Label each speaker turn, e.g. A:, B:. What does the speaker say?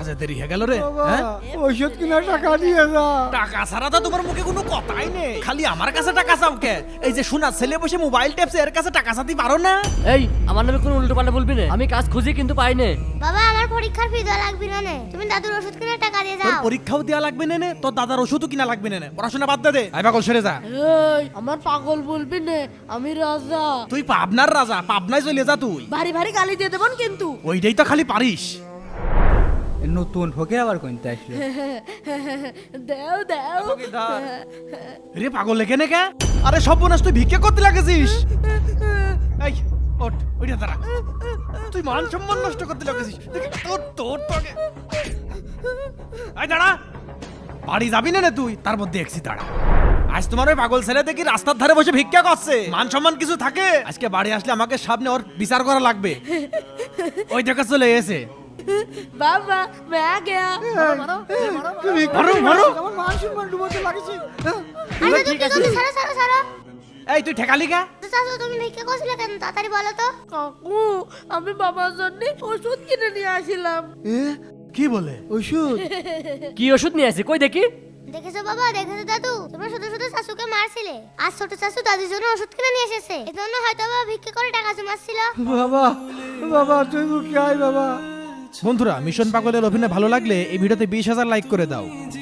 A: কাজে দেরি হয়ে গেল রে।
B: বাবা,
A: হ্যাঁ?
B: ওষুধ কিনার টাকা দিয়ে যা।
A: টাকা ছাড়া তো তোমার মুখে কোনো কথাই নেই, খালি আমার কাছে টাকা চাও কে? এই যে শোনা ছেলে বসে মোবাইল টেপছে, এর কাছে টাকা চাইতে পারো না?
C: এই আমার নামে কোনো উল্টো পাল্টা বলবি না, আমি কাজ খুঁজি কিন্তু পাই না।
D: বাবা আমার পরীক্ষার ফি দেওয়া লাগবে না নে, তুমি দাদুর ওষুধ কিনে টাকা দিয়ে
A: তোর
D: যাও।
A: পরীক্ষাও দেয়া লাগবে না, তোর দাদার ওষুধও কিনা লাগবে না, পড়াশোনা বাদ দে। আই পাগল সরে যা।
C: এই আমার পাগল বলবি না, আমি রাজা।
A: তুই পাবনার রাজা, পাবনায় চলে যা তুই।
C: ভারী ভারী গালি দিয়ে দেবেন কিন্তু।
A: ওইটাই তো খালি পারিস।
B: নতুন ফকে আবার কইতে আসলো।
C: দেও দেও।
A: রে পাগল লেগে নে কে? আরে সর্বনাশ, তুই ভিক্ষা করতে লাগেছিস। এই ওঠ, ওইটা দাঁড়া। তুই মান সম্মান নষ্ট করতে লাগেছিস। দেখি, তোর তোর তোকে। এই দাঁড়া, বাড়ি যাবি না রে তুই? তার মধ্যে দেখছি দাঁড়া। আজ তোমার ওই পাগল ছেলে দেখি রাস্তার ধারে বসে ভিক্ষা করছে। মান সম্মান কিছু থাকে? আজকে বাড়ি আসলে আমাকে সামনে ওর বিচার করা লাগবে। ওই দেখা চলে এসে
C: বাবা मैं आ गया।
B: তুমি
A: মারো, মারো।
B: আমার মান সম্মান ডুবোতে লাগছে।
D: আরে দাদু কি করছিস? ছাড়ো ছাড়ো ছাড়ো।
A: এই তুই ঠেকালি কা?
D: চাচু তুমি ভিক্ষা করছিলে কেন? তাড়াতাড়ি বলো তো।
C: কাকু আমি বাবার জন্য ওষুধ কিনে নিয়ে আসিলাম।
A: কি বলে?
B: ওষুধ?
C: কি ওষুধ নিয়ে আসি কই দেখি?
D: দেখেছো বাবা, দেখেছো দাদু, তোমরা শুধু শুধু শাশুকে মারছিলে। আজ ছোট শাশু দাদির জন্য ওষুধ কিনে নিয়ে এসেছে, এজন্য হয়তো বাবা ভিক্ষা করে টাকা জমাচ্ছিল।
B: বাবা, বাবা তুই মুখে আয় বাবা।
A: বন্ধুরা, মিশন পাগলের অভিনয় ভালো লাগলে এই ভিডিওতে 20,000 লাইক করে দাও।